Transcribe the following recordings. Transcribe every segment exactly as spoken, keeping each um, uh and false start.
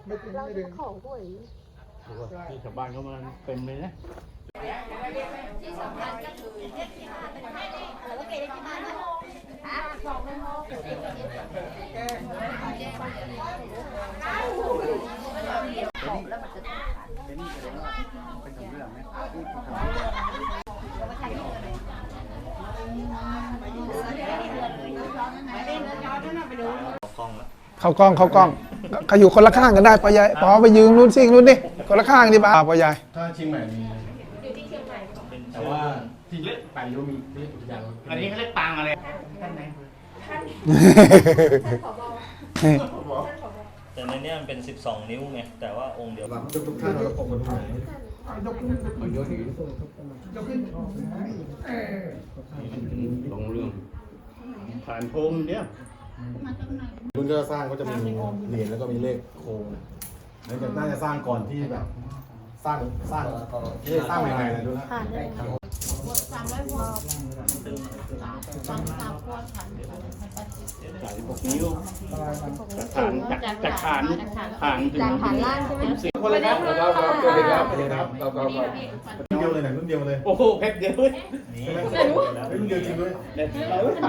ไม่ถึงไม่ถึงของหวยที่ชาวบ้านเขามาเต็มเลยนะที่สำคัญก็คือเลขที่ห้าเป็นเลขที่แล้วก็เกณฑ์เลขที่ห้าด้วยฮะสองเป็นหกแล้วมันจะเป็นนี่แสดงว่าเป็นของเรื่องไหมเข้ากล้องเข้ากล้องเขาอยู่คนละข้างกันได้ปอยายปอไปยืนนู้นซิ่งนู้นดิคนละข้างดิบ้าปอยายถ้าเชียงใหม่มีแต่ว่าที่เล็กไปก็มีเล็กอุทยานอันนี้เขาเรียกปางอะไรท่านไหนแต่ในนี้มันเป็นสิบสองนิ้วไงแต่ว่าองค์เดียวกันทุกท่านเราคงมาดูไหนลงเรื่องผ่านพรมเนี่ยรุ่นที่สร้างก็จะมีเหรียญแล้วก็มีเลขโค้งนั่นจะน่าจะสร้างก่อนที่แบบสร้างสร้างที่สร้างใหม่ๆเลยดูนะสามร้อยพอสามสามพวกค่ะสายหกนิ้วฐานจากฐานฐานถึงจากฐานล่างใช่ไหมคนเลยครับเราเราเราเลยครับเลยครับเราเราเรารุ่นเดียวเลยนะรุ่นเดียวเลยโอ้โหเพชรเดียวเลยรุ่นเดียวจริงด้วยเราไป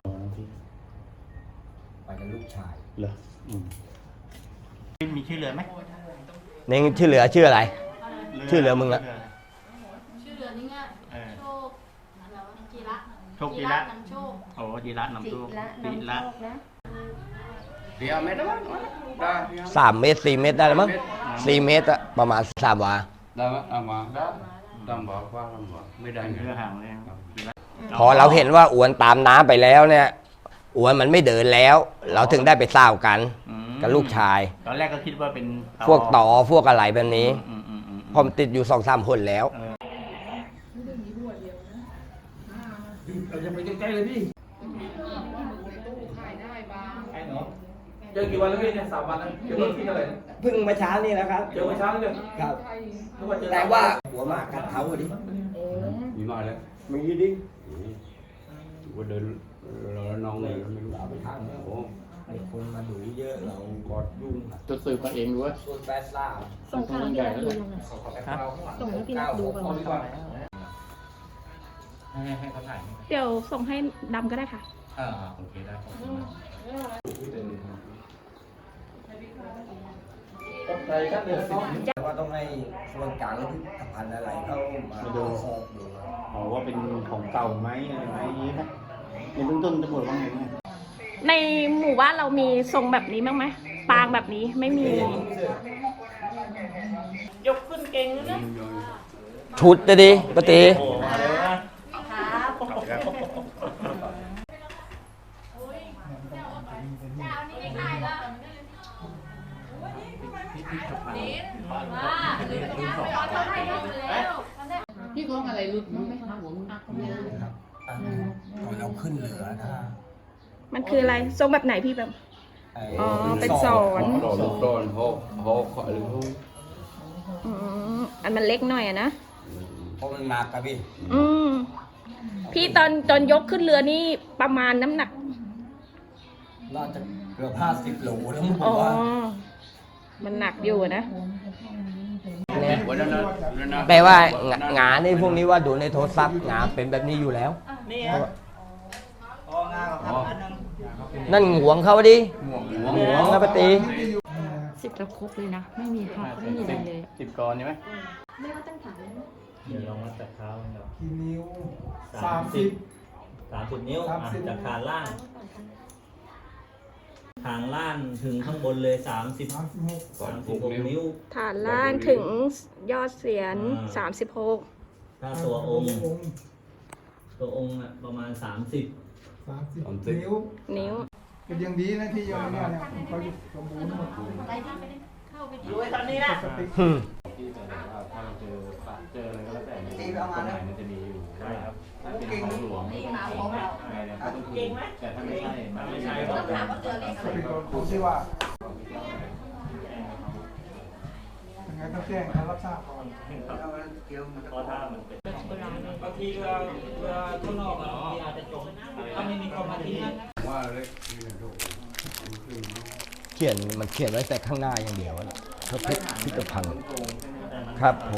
ไปกับลูกชายเหรอมีชื่อเรือไหมเน่งชื่อเหลือชื่ออะไรชื่อเหลือมึงละชื่อเรือนี่ไงโชคอะไรวะจีระโชคจีระนำโชคโอ้จีระนำโชคจีระเดี๋ยวเมตรสามเมตรสี่เมตรได้แล้วมั้งสี่เมตรอะประมาณสามวาได้ไหมเอามาได้ดำบอกว่าดำบอกไม่ได้เรือห่างเลยพอเราเห็นว่าอวนตามน้ำไปแล้วเนี่ยอวนมันไม่เดินแล้วเราถึงได้ไปเศร้ากันกับลูกชายตอนแรกก็คิดว่าเป็นพวกต่อพวกอะไรแบบนี้พอมติดอยู่สองสามคนแล้วเราจะไปใกล้ๆเลยพี่เจอกี่วันแล้วพี่เนี่ยสามวันแล้วเจอรถที่เท่าไหร่เพิ่งมาเช้านี่นะครับเจอมาเช้านี่เลยครับแต่ว่าหัวหมากกัดเท้าดิมีมาแล้วมีดิว่าเดินเราน้องเลยไม่รู้เอาไปทางโอ้มีคนมาดูเยอะเรากอดยุ่งจะสืบมาเองด้วยส่วนแปดล่าส่งข่าวให้เราดูยังไงส่งให้พี่นักดูก่อนให้เขาถ่ายเดี๋ยวส่งให้ดำก็ได้ค่ะอ่าโอเคได้แต่ว่าต้องให้ส่วนกลางที่พันอะไรเข้ามาดูสอบดูบอกว่าเป็นของเก่าไหมอะไรไหมอย่างนี้นะในเบื้องต้นตำรวจว่าไงบ้างในหมู่บ้านเรามีทรงแบบนี้บ้างไหมปางแบบนี้ไม่มียกขึ้นเก่งนะชุดจะดีปกติพี่ก้องอะไรรุดมั้งไหมคะผมครับเราขึ้นเหลือนะมันคืออะไรทรงแบบไหนพี่แบบอ๋อเป็นสอนสอนหกหกขอหรือหกอืมอันมันเล็กหน่อยอะนะเพราะมันหนักครับพี่อืมพี่ตอนตอนยกขึ้นเรือนี่ประมาณน้ำหนักน่าจะเกือบห้าสิบโลแล้วมั้งผมว่ามันหนักอยู่นะแปลว่างาในพวกนี้ว่าดูในโทรศัพท์งาเป็นแบบนี้อยู่แล้วนั่นหวงเขาดิหวงนะปฏิสิบกระครบเลยนะไม่มีหักไม่มีอะไรเลยสิบกรใช่ไหมไม่ว่าตั้งฐานเดี๋ยวลองมาจากเท้าครับกี่นิ้วสามสิบสามสิบนิ้วจากฐานล่างฐานล่างถึงข้างบนเลยสามสิบสามสิบหกนิ้วฐานล่างถึงยอดเสียนสามสิบหกถ้าตัวองค์ตัวองค์ประมาณสามสิบสามสิบนิ้วนิ้วเป็นยังดีนะที่ยอมเนี่ยเขาสมบูรณ์หมดดูไว้ตอนนี้นะถ้าเราเจอเจออะไรก็แล้วแต่ในกฎหมายมันจะมีอยู่ได้ครับถ้าเป็นของหลวงอะไรเนี่ยก็ต้องคืนแต่ถ้าไม่ใช่มันไม่ใช่ต้องถามว่าเจอเลขอะไรดูซิว่ายังไงต้องแจ้งเขารับทราบก่อนเพราะถ้ามันเป็นบางทีเรือเรือข้างนอกบางทีอาจจะจมถ้าไม่มีคนมาที่นี่ว่าเล็กนี่นะถูกเขียนมันเขียนไว้แต่ข้างหน้าอย่างเดียวพระเพชรพิพิธภัณฑ์ครับผม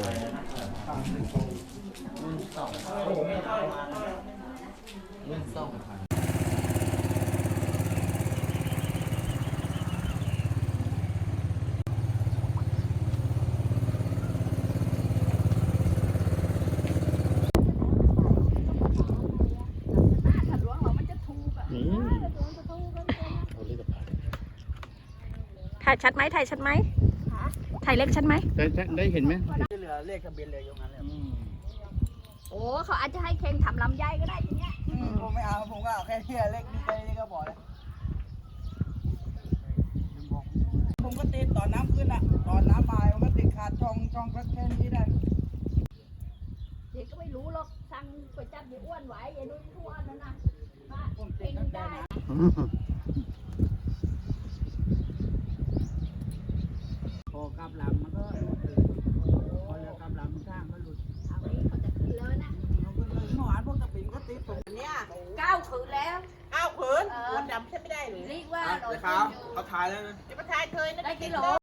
ถ้าหลวงเรามันจะถูกอ่ะนี่ถ่ายชัดไหมถ่ายชัดไหมถ่ายเล็กชัดไหมได้ได้ได้เห็นไหมโอ้เขาอาจจะให้เข่งทำลำไยก็ได้ทีเนี้ยผมไม่เอาผมก็เอาแค่นี้เล็กนี่แค่นี้ก็พอแล้วผมก็ติดตอนน้ำขึ้นอ่ะตอนน้ำมาผมก็ติดขาดช่องช่องแค่นี้ได้เด็กก็ไม่รู้หรอกสั่งก๋วยจั๊บอย่าอ้วนไหวอย่าดูอ้วนนั่นนะป้าเก่งได้พอกลับหลังมันก็หลุดเลยพอเรือกลับหลังมันข้างก็หลุดเอาไว้เขาจะขึ้นแล้วนะเขาก็เลยเมื่อวานพวกตะปิ่นก็ติดผมเนี้ยเก้าขืนแล้วอ้าวเขินวันดำใช่ไม่ได้หรือเรียกว่าเขาเขาถ่ายแล้วจะมาถ่ายเคยนะได้กิโล